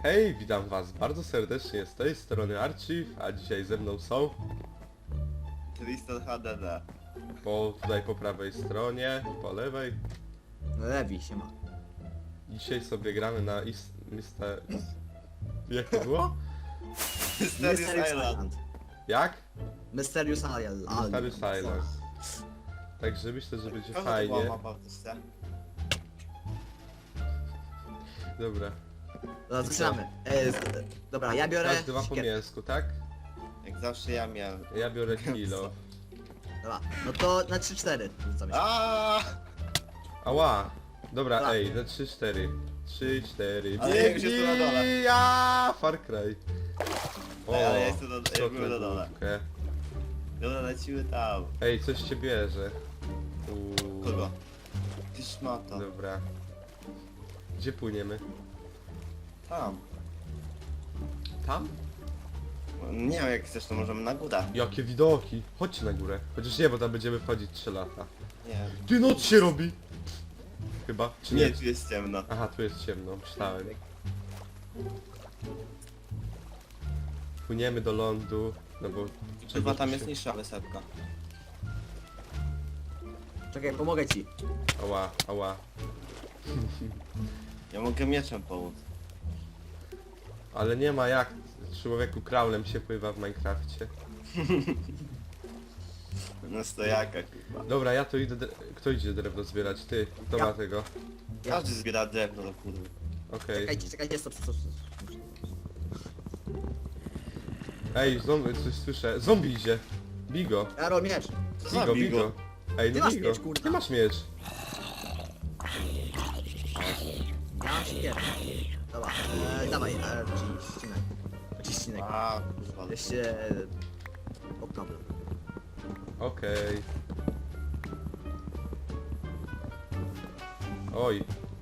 Hej, witam was bardzo serdecznie z tej strony Archive, a dzisiaj ze mną są Tristan HDD. tutaj po prawej stronie, po lewej. Lewi się ma. Dzisiaj sobie gramy na Mister... Jak to było? Mysterious Island. Jak? Mysterious Island. Mysterious Island. Także myślę, że będzie Kogo to fajnie. była mapa w Polsce? Dobra. Dobra, zaczynamy. Dobra, ja biorę... Każdy ma po siekierkę. mięsku, tak? Jak zawsze ja miałem. Ja biorę kilo. Dobra, no to na 3-4 rzucamy się. Aaaa! Ała! Dobra, Tak. ej, na 3-4. 3-4. Ale jak już jestem na dole. Ja, Far Cry. Ej, ale ja jestem co ja byłem to na dole. głupie. Dobra, lecimy tam. Ej, coś cię bierze. Uuu. Kogo? Ty szmata. Dobra. Gdzie płyniemy? Tam. Tam? Nie wiem, jak chcesz, to możemy na górę. Jakie widoki! Chodźcie na górę. Chociaż nie, bo tam będziemy wchodzić 3 lata. Nie. Ty, noc się robi! Chyba, czy nie? Nie, tu jest ciemno. Aha, tu jest ciemno, myślałem. Płyniemy do lądu, no bo... Chyba tam się- jest niższa wysepka. Czekaj, pomogę ci. Ała, ała. Ja mogę mieczem pomóc. Ale nie ma jak człowieku kraulem się pływa w Minecrafcie. Na stojaka chyba. Dobra, ja to idę... Kto idzie drewno zbierać? Ty, kto Ja. ma tego? Każdy zbiera drewno do kurwy. Okej. Czekajcie, stop. Ej, coś słyszę. Zombie idzie. Bigo. Jaro, miecz. za Bigo, bigo? bigo. Ej, Ty no masz bigo. miecz, kurwa. Ty masz miecz. Ja mam siekierkę. Dobra, dawaj, ścinek. Ścinek. A, kurwa. Jeszcze... Okno. Okej. Oj,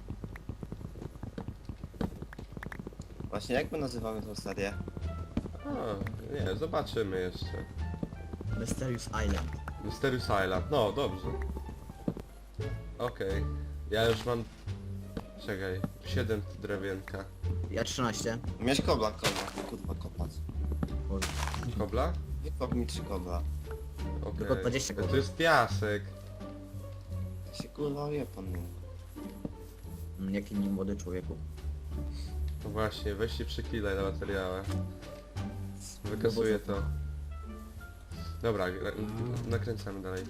Właśnie jak my nazywamy tą serię? nie, zobaczymy jeszcze. Mysterious Island. Mysterious Island, no dobrze. Okej. Ja już mam... Czekaj, 7 drewienka. Ja 13. Miałeś kobla, kurwa, kopać. Boże. Kobla? Wykop mi 3 kobla. Okej. Tylko 20 To jest piasek. To się kurwa wie pan. Jaki nie młody człowieku. No właśnie, weź się przykilaj na materiałach. Wykazuję to. Dobra, nakręcamy dalej.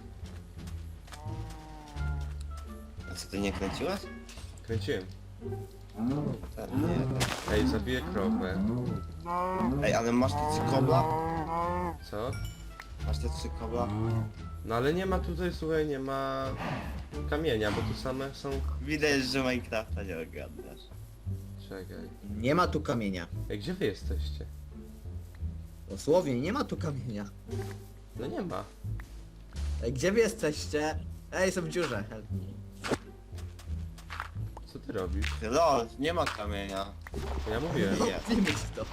A co, ty nie kręciłaś? Kręciłem. Tak, nie. Ej, zabiję krowę. Ej, ale masz te 3 kobla? Co? Masz te 3 kobla? No ale nie ma tutaj, słuchaj, nie ma kamienia, bo tu same są... Widać, że Minecrafta nie ogarniasz. Czekaj. Nie ma tu kamienia. Ej, gdzie wy jesteście? Dosłownie, nie ma tu kamienia. No nie ma. Ej, gdzie wy jesteście? Ej, są w dziurze. Help me. Co ty robisz? Ty lol, nie ma kamienia. Ja mówiłem. Nie. Zjemy ci to.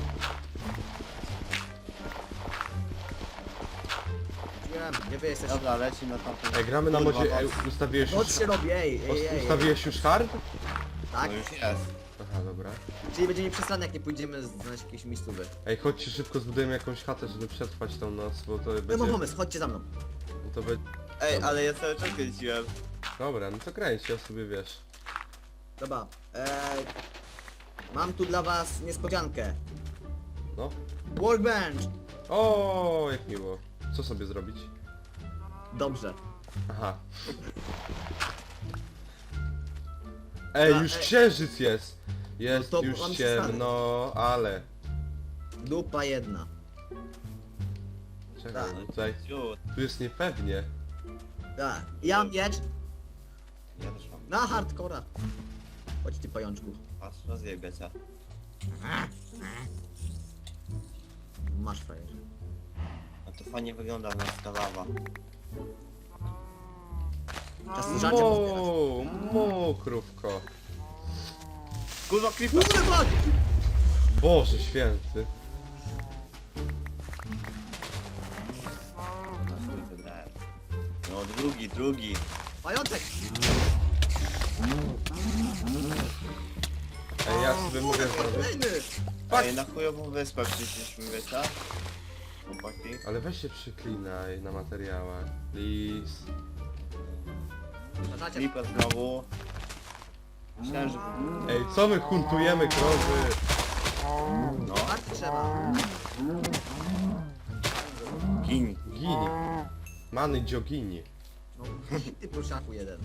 Wiem, gdzie wy jesteście? Dobra, leci na tamtą... Ej, gramy na Kurwa, modzie... Ej, noc. ustawiłeś Noc już... się robi, ej. Ustawiłeś już hard? Tak? No już jest. Aha, dobra. Czyli będzie mi przesrane, jak nie pójdziemy znaleźć jakieś miejscówy. Ej, chodźcie szybko zbudujemy jakąś chatę, żeby przetrwać tą noc, bo to Ja mam będzie... pomysł, chodźcie za mną. To będzie... Ej, ale ja cały czas kręciłem. Dobra, no to kręć, ja sobie wiesz. Dobra, mam tu dla was niespodziankę. No. Workbench! O, jak miło. Co sobie zrobić? Dobrze. Aha. Ej, A, już ej. księżyc jest! Jest No to już mam się ciemno, ale... Dupa jedna. Czekaj, Tak. no tutaj... Ciut. Tu jest niepewnie. Tak, ja mam miecz Ja też mam. na hardcora. Chodź ty pajączku. Patrz, rozjebie cię. Masz frajer. A to fajnie wygląda na ta lawa. Czas żarcie pozbierać. Mokrówko. Kurwa, creeper! Kurde, fuck! Boże święty. Na chuj wybrałem. No, drugi. Pajączek! Ej, ja sobie mogę zrobić. Kolejny! Ej, na chujową wyspę przyszliśmy, wiecie? Chłopaki. Ale weź się przyklinaj na materiałach. Lis. Pamiętacie? Flipper znowu. Myślałem, że... Ej, co my huntujemy krowy? No, Tak trzeba. gini. Gini. Many dziogini. No, ty prosiaku jeden.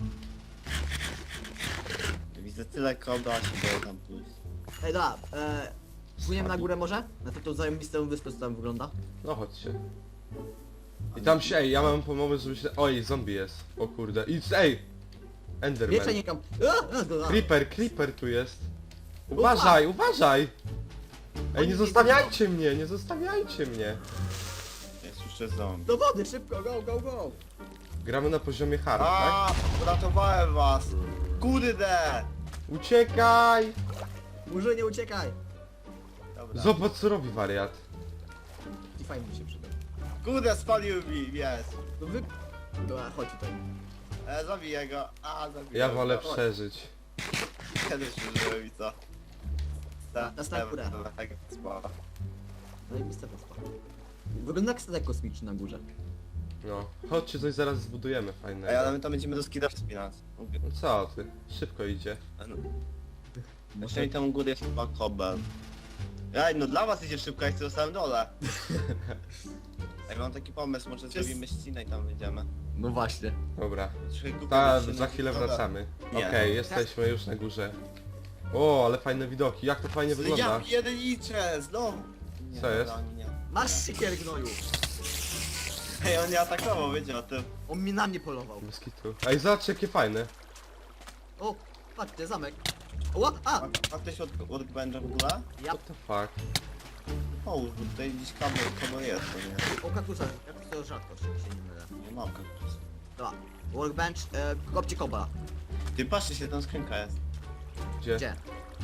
Widzę tyle kogo, a się boję tam pójść. Ej, dobra, płyniemy na górę może? Na to zajebistą wyspę, co tam wygląda? No chodźcie. I tam się, ej, ja mam pomysł, żeby się... Oj, zombie jest. O kurde. I ej! Enderman. Wiecie, nie kam... Creeper tu jest. Uważaj, uważaj! Ej, nie zostawiajcie mnie, nie zostawiajcie mnie. Jest jeszcze zombie. Do wody, szybko, go, go, go! Gramy na poziomie hard, tak? A, uratowałem was! Kurde! Uciekaj! Murzynie, uciekaj! Dobra. Zobacz co robi wariat. I fajnie mi się przydał. Kurde, spalił mi, jest! No wy... Dobra, chodź tutaj. Zabiję go. A, zabiję Ja go. wolę Chodź. przeżyć. Kiedyś przeżyłem i co? Na górę. Spała. Zajebista wyspa. Wygląda jak statek kosmiczny na górze. No. Chodźcie, coś zaraz zbudujemy Ej, ale fajnego. my tam będziemy do skida wspinać. No co ty? Szybko idzie. Jeszcze mi tam u góry jest chyba kobel. Ej, no dla was idzie szybko, jak chcę na samym dole. Ej, mam taki pomysł, może zrobimy ścinę i tam wyjdziemy. No właśnie. Dobra. Trochę głupio Ta, być za się chwilę dobra. wracamy. Nie. Okej, jesteśmy już na górze. O, ale fajne widoki. Jak to fajnie Ja wygląda. pierniczę, znowu! Co jest? dobra, nie. Masz sikier, gnoju! Ej, on nie atakował, wiecie o tym. On mi na mnie polował. Bez kitu. Ej, zobacz jakie fajne. O, patrzcie, zamek. O, a! Ma ktoś workbencha w ogóle? Ja... What the fuck? Połóż, bo tutaj gdzieś kabel jest, to nie. O, kaktusa. Kaktus to rzadkość, jak się nie mylę. Nie mam kaktusa. Dobra. Workbench, kopcie kobla. Ty patrzcie się, tam skrzynka jest. Gdzie? Gdzie?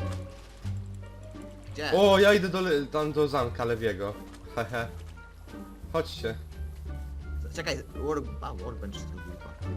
Gdzie? O, ja idę tam do zamka Lewiego. Hehe. Chodźcie. Czekaj, workbench jest drugi chyba.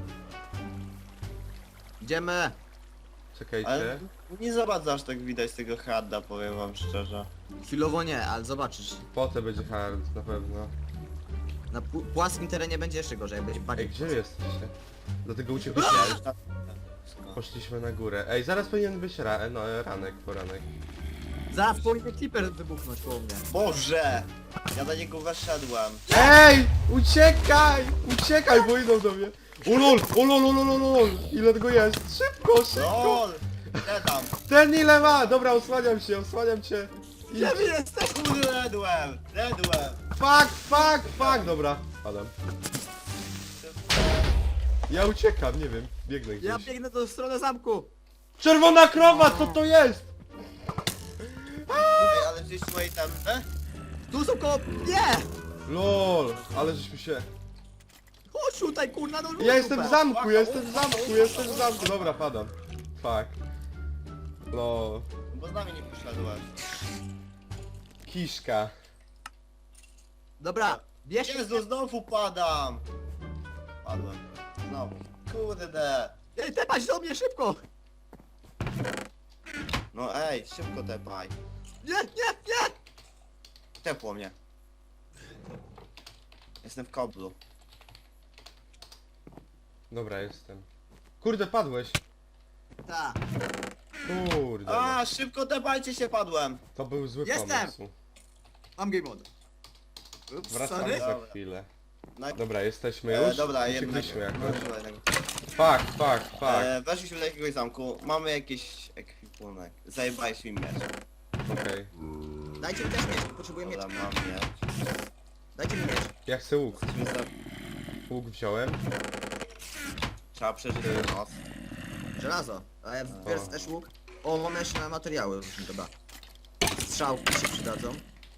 Idziemy! Czekajcie. Ale nie zobacz aż tak widać tego harda, powiem wam szczerze. Chwilowo nie, ale zobaczysz. Potem będzie hard, na pewno. Na płaskim terenie będzie jeszcze gorzej, jak będzie Ej, bardziej gdzie płasko. jesteście? Dlatego uciekliśmy. Ja już tam... Poszliśmy na górę. Ej, zaraz powinien być ranek, poranek. Zaraz powinien Clipper wybuchnąć koło mnie. Boże! Ja do niego weszedłem. Ej! Uciekaj! Uciekaj, bo idą do mnie. Ulol! Ulol! Ile tego jest? Szybko, szybko! LOL! Gdzie tam? Ten ile ma! Dobra, osłaniam cię. Idź. Gdzie wy jesteś? Kurde, redłem! Fuck! Dobra, padam. Ja uciekam, nie wiem, biegnę gdzieś. Ja biegnę do strony zamku! Czerwona krowa, co to jest? Ej, ale gdzieś moje tam... Tu są koło... Nie! LOL, ale żeśmy się... Chodź tutaj, kurna, no Ja jestem w zamku, jestem w zamku. Dobra, padam. Fuck. LOL. Bo z nami nie poszedłeś. Kiszka. Dobra, bierz... Jezu, znowu padam! Padłem. Znowu. Kurde! Ej, tepać do mnie, szybko! No ej, szybko tepaj. Nie! Tepło mnie. Jestem w koblu. Dobra, jestem. Kurde, padłeś. Ta. Kurde. A, szybko tepajcie się, padłem! To był zły Jestem. pomysł. Mam game mode. Ups, Wracamy sorry. za Dobra. chwilę. No, Dobra, jesteśmy już. dobra, Uciekliśmy jednak. jakoś. Dobra, jednak. Fuck. Weszliśmy do jakiegoś zamku, mamy jakiś ekwipunek. Zajebałeś mi miecz. Okej. Dajcie mi też miecz, potrzebuję Dobra, miecz. mam miecz. Dajcie mi miecz. Ja chcę łuk. Jesteśmy za... Łuk wziąłem. Trzeba przeżyć tę noc. Żelazo. A ja biorę też łuk. O, mamy jeszcze materiały. Dobra. Strzałki się przydadzą.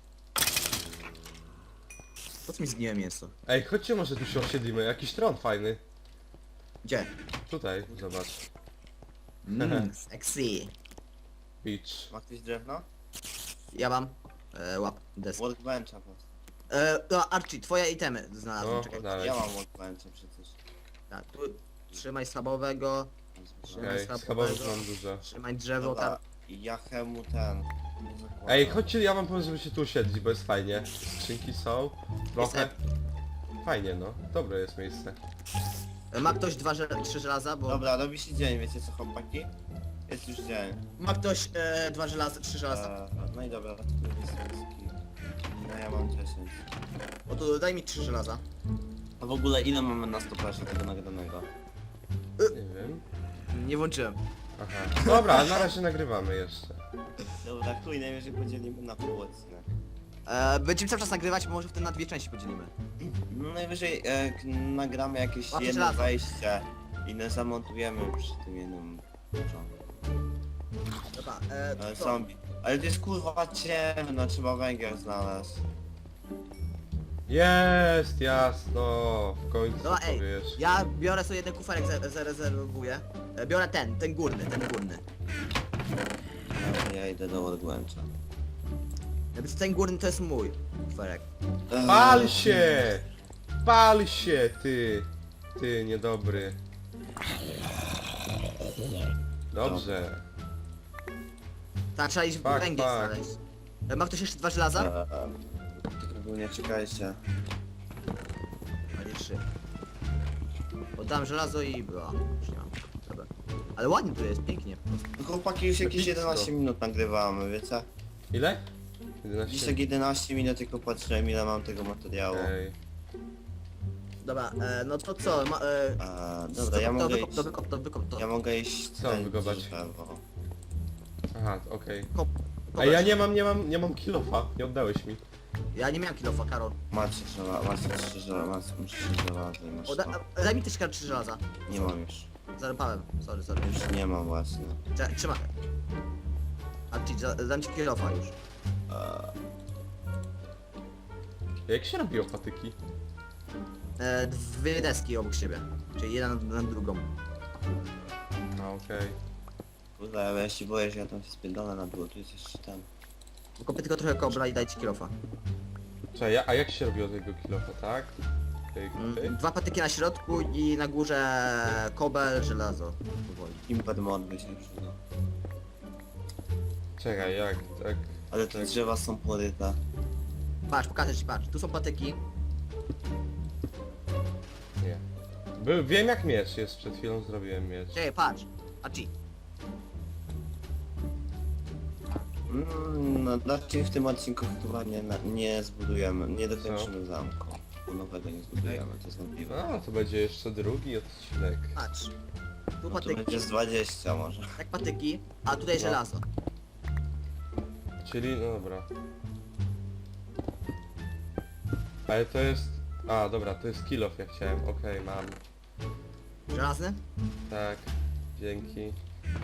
Po co mi zgniłe mięso? Ej, chodźcie może tu się osiedlimy. Jakiś tron fajny. Gdzie? Tutaj, zobacz. Sexy. Beach. Ma ktoś drewno? Ja mam. Łap. Desk. Workbencha po prostu. To Archie, twoje itemy znalazłem, No, czekaj. dalej. Ja mam workbencha przecież. Tak, tu trzymaj schabowego, Okej, schabowego. schabowych mam dużo. Trzymaj drzewo Dobra, tam. Ja chemu ten... nie zakładam. Ej, chodźcie, ja wam powiem, żeby się tu usiedlić, bo jest fajnie. Skrzynki są. Trochę. Fajnie, no. Dobre jest miejsce. Ma ktoś 3 żelaza, bo... Dobra, robi się dzień, wiecie co chłopaki? Jest już dzień. Ma ktoś 2 żelaza, 3 żelaza. No i dobra, to tu jest ski. No ja mam 10. O to daj mi 3 żelaza. A w ogóle ile mamy na stoperze tego nagranego? Nie wiem. Nie włączyłem. Aha. Dobra, na razie nagrywamy jeszcze. Dobra, chuj, najwyżej podzielimy na pół odcinek. Będziemy cały czas nagrywać, może wtedy na 2 części podzielimy. No najwyżej nagramy jakieś Łapie jedno żelazo. wejście i nas zamontujemy przy tym jednym początku. Dobra, Ale co? zombie. Ale to jest kurwa ciemno, trzeba węgiel znaleźć. Jest, jasno. W końcu Dobra, ej, powiesz. ja biorę sobie jeden kuferek, zarezerwuję. Biorę ten górny. Ja idę do odgłęcza. Jakby ten górny to jest mój kuferek. Pal się! Pal się, ty! Ty, niedobry. Dobrze. Tak, trzeba iść Pak, węgiel pak. znaleźć. Ma ktoś jeszcze 2 żelaza? Tylko nie czekajcie. A nie 3. Oddam żelazo i była. Już nie mam. Dobra. Ale ładnie tu jest, pięknie. Chłopaki już jakieś Epicko. 11 minut nagrywamy, wiecie? Ile? Dziś 11? tak 11 minut tylko patrzyłem ile mam tego materiału. Ej. Dobra, no to co? Dobra, ja mogę iść. Wykop to. Ja mogę iść Co kręcić wykopać? drzewo. Aha, okej. Kop, A ja nie mam kilofa, nie oddałeś mi. Ja nie miałem kilofa, Karol. Macie 3 żelaza, masz 3 żelaza i masz to. Daj mi też 3 żelaza. Nie mam już. Zarąbałem, sorry. Już nie mam właśnie. Trzymaj. A ci, dam ci kilofa już. Jak się robiło patyki? 2 deski obok siebie. Czyli jedna na drugą. A, okej. Kurde, ja się boję, że ja tam się spierdolę na dół, tu jest jeszcze ten. Kopię tylko trochę kobla i daj ci kilofa. Czekaj, a jak się robiło tego kilofa, tak? Okej, okej. 2 patyki na środku i na górze kobel, żelazo. Powoli. Impet mod by się przydał. Czekaj, jak, tak? Ale te drzewa są poryte. Patrz, pokażę ci, patrz. Tu są patyki. Nie. Wiem jak miecz jest, przed chwilą zrobiłem miecz. Czekaj, patrz. A ci. No, znaczy w tym odcinku chyba nie zbudujemy, nie dokończymy Co? zamku. Bo nowego nie zbudujemy, to jest wątpliwe. A, to będzie jeszcze drugi odcinek. Patrz. Tu No to patyki. będzie z 20 może. Tak patyki, a tutaj No. żelazo. Czyli, no dobra. Ale to jest... A, dobra, to jest kilof, ja chciałem. Okej, mam. Żelazny? Tak. Dzięki.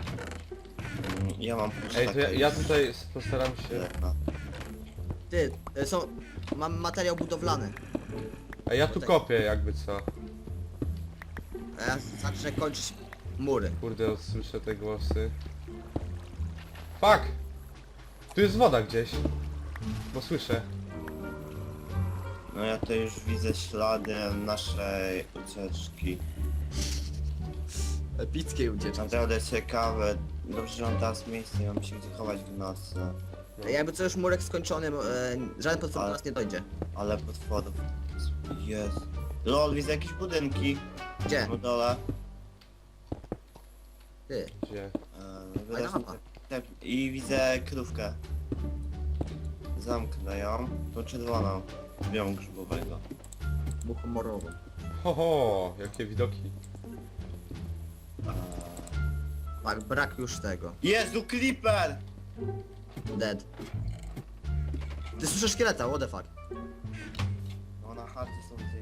Ja mam Ej, to ja tutaj postaram się... Ty, mam materiał budowlany. A ja tu kopię jakby co. A ja zacznę kończyć mury. Kurde, słyszę te głosy. Fuck! Tu jest woda gdzieś. Bo słyszę. No ja to już widzę ślady naszej ucieczki. Epickiej ucieczki. Naprawdę ciekawe. Dobrze, że mam teraz miejsce i mam się gdzie chować w nocy. Jakby co już murek skończony, żaden potwór do Ale- nas nie dojdzie. Ale potworów jest. Lol, widzę jakieś budynki Gdzie? na dole. Ty. Gdzie? Wyraźnie mapa. I widzę krówkę. Zamknę ją. Tą czerwoną. Białą grzybowego. Muchomorowy. Ho, ho, jakie widoki. Tak, brak już tego. Jezu, Creeper! Dead. Ty słyszysz szkieleta, what the fuck? No na chacie są gdzieś.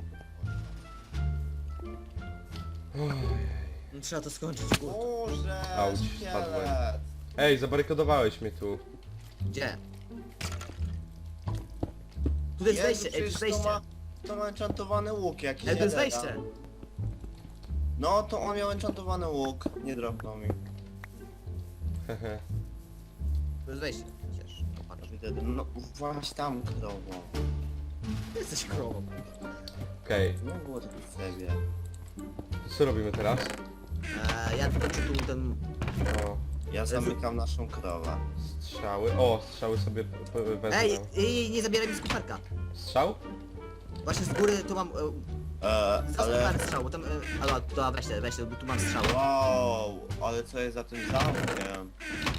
No, trzeba to skończyć, kurde. Boże, Auć, szkielet! spadłem. Ej, zabarykadowałeś mnie tu. Gdzie? Tu jest Jezu, wejście, ej, tu jest przecież wejście. To ma enchantowany łuk jakiś. Ej, to jest jeden, wejście. No to on miał enchantowany łuk. Nie dropnął mi. Hehe. Tu jest wejście, przecież. Popatrz. Widzę, no właśnie tam krowo. Ty jesteś krową. Okej, Nie było tego w sobie. to co robimy teraz? Ja tylko tu ten... O, Ja zamykam naszą krowę. Strzały. O, strzały sobie wezmę. Ej, nie zabieraj mi z kuferka. Strzał? Właśnie z góry tu mam... Ale... Ale... strzał, bo tam... Ale to weź te, bo tu mam strzał. Wow, ale co jest za tym zamkiem?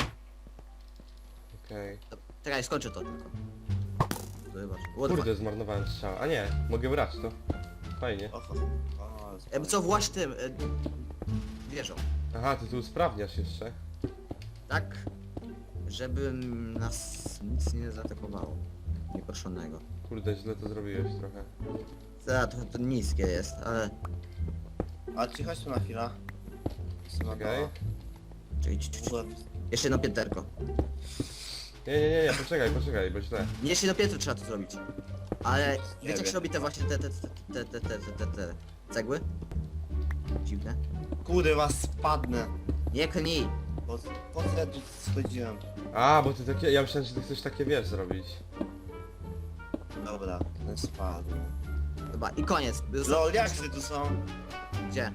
Okej. Czekaj, skończę to tylko. Zobacz. Kurde, zmarnowałem strzał. A nie, mogę brać to. Fajnie. Oho. Co właś tym... wieżą. Aha, ty tu usprawniasz jeszcze. Tak? Żeby nas nic nie zaatakowało. Nieproszonego. Kurde, źle to zrobiłeś trochę. To niskie jest, ale... A ci chodź tu na chwilę. Okej. Jeszcze jedno pięterko. Nie, poczekaj, bo źle. Nie, jeszcze jedno piętro trzeba to zrobić. Ale Nie wiecie jak wiem. się robi te właśnie te cegły? Dziwne. Kurde, was spadnę. Nie knij! Po co ja tu schodziłem? A, bo ty takie... Ja myślałem, że ty chcesz takie, wiesz, zrobić. Dobra, ten spadł. Chyba i koniec. LOL, jak tu są? Gdzie?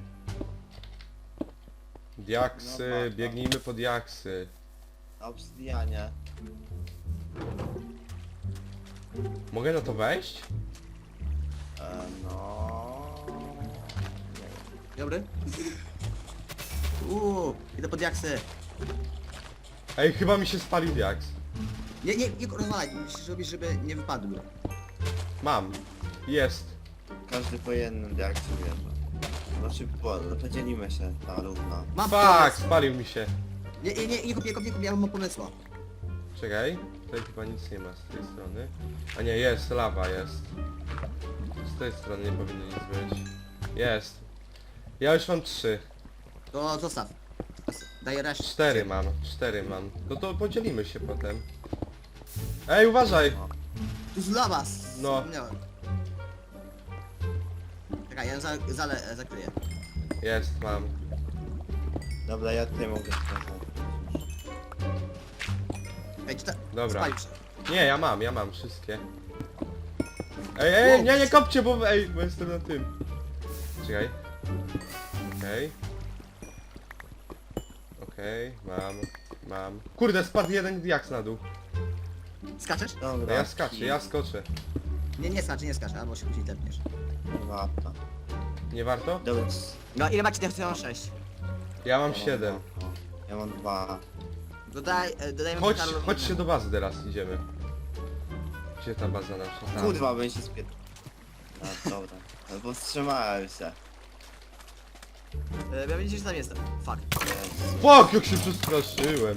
Diaksy, No, tak. biegnijmy po diaksy. Na obsydianie. Mogę na to wejść? No... Dobry? Idę pod jaksy. Ej, chyba mi się spalił diaks. Nie rozwalaj, musisz robić, żeby nie wypadły. Mam. Jest. Każdy po jednym, jak się wierzy. Znaczy, podzielimy się na równo. Mam Fuck, pomysł. spalił mi się. Nie kup, ja mam pomysła. Czekaj, tutaj chyba nic nie ma z tej strony. A nie, jest, lawa jest. Z tej strony nie powinno nic być. Jest. Ja już mam 3. To zostaw. Daj resztę. 4 mam. No to podzielimy się potem. Ej, uważaj! Tu z lawa. No. Wspomniałem. Czekaj, ja ją zakryję. Jest, mam. Dobra, ja tutaj mogę wskazać. Ej, czy ta... Dobra. Spalił się. Nie, ja mam wszystkie. Ej, nie kopcie, bo jestem na tym. Czekaj. Okej, mam. Kurde, spadł jeden diaks na dół. Skaczesz? No Dobra, ja skaczę, ja skoczę. Nie skacz, albo się później tepniesz. Warto. Nie warto? Dobra. No ile macie? Ja mam 6. Ja mam 7. Ja mam 2. Dodajmy Chodźcie do bazy teraz, idziemy. Gdzie ta baza nasza? Tam. Kurwa, bym się spier... A, dobra. Albo wstrzymałem się. Ja widzicie, że tam jestem. Fuck. Jezu. Fuck, jak się przestraszyłem.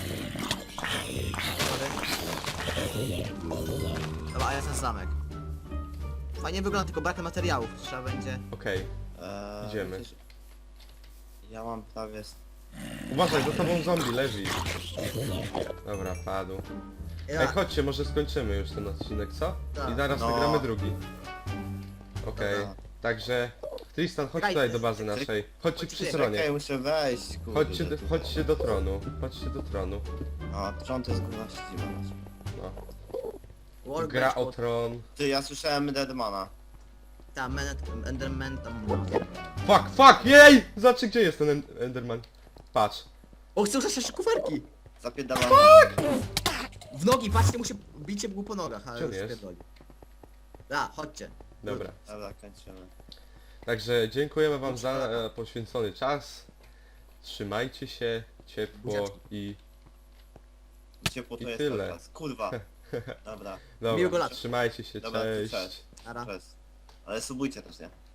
Dobra, a ja jestem zamek. Fajnie wygląda, tylko brak materiałów. Trzeba będzie... Okej, Idziemy. Przecież ja mam prawie... uważaj, za tobą zombie leży. Dobra, padł. Ej, chodźcie, może skończymy już ten odcinek, co? Tak. I zaraz No. nagramy drugi. Okej, Dobra. także... Tristan, chodź Czekaj, tutaj do bazy naszej. Chodźcie przy czekaj, stronie. Czekaj, muszę wejść, kurde. Chodźcie do tronu. Chodźcie do tronu. A, tron to jest kurwa siedzima. No. Workbench Gra o pod- tron. Ty, ja słyszałem Deadmana. Tam, Enderman tam... Fuck, jej! Zobacz, gdzie jest ten Enderman. Patrz. O, chcę użyć jeszcze kuferki! Zapierdalam. W nogi, patrzcie, mu się bicie było po nogach, ale Gdzie on już jest? spierdoli. Da, chodźcie. Dobra. Dobra, kończymy. Także dziękujemy wam za poświęcony czas. Trzymajcie się ciepło Buziaczki. i... Ciepło to I jest tyle. teraz. Kurwa. Dobra, Miłego Dobra, lata. trzymajcie się, Dobra, to cześć. cześć. Ara. cześć. Ale subujcie też, nie?